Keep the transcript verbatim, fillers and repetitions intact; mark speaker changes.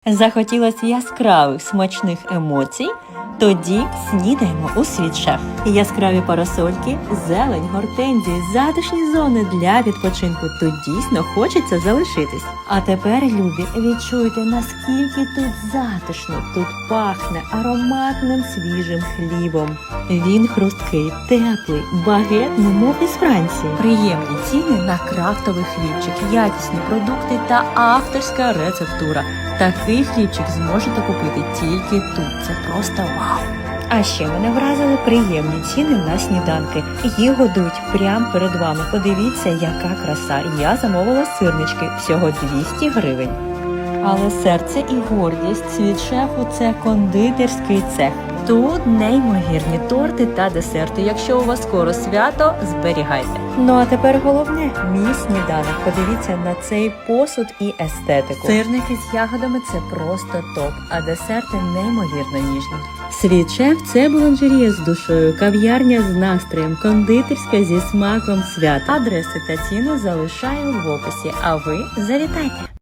Speaker 1: Захотілося яскравих смачних емоцій? Тоді снідаємо у Світ-Шеф. Яскраві парасольки, зелень, гортензії, затишні зони для відпочинку. Тут дійсно хочеться залишитись. А тепер, любі, відчуйте, наскільки тут затишно. Тут пахне ароматним свіжим хлібом. Він хрусткий, теплий, багет, немов із Франції. Приємні ціни на крафтовий хлібчик, якісні продукти та авторська рецептура. Такий хлібчик зможете купити тільки тут. Це просто вау! А ще мене вразили приємні ціни на сніданки. Їх годують прямо перед вами. Подивіться, яка краса. Я замовила сирнички. Всього двісті гривень. Але серце і гордість Світ-Шефу – це кондитерський цех. Тут неймовірні торти та десерти. Якщо у вас скоро свято, зберігайте. Ну а тепер головне – мій сніданок. Подивіться на цей посуд і естетику. Сирники з ягодами – це просто топ, а десерти неймовірно ніжні. Світ-Шеф – це буланжерія з душою, кав'ярня з настроєм, кондитерська зі смаком свята. Адреси та ціни залишаю в описі, а ви завітайте!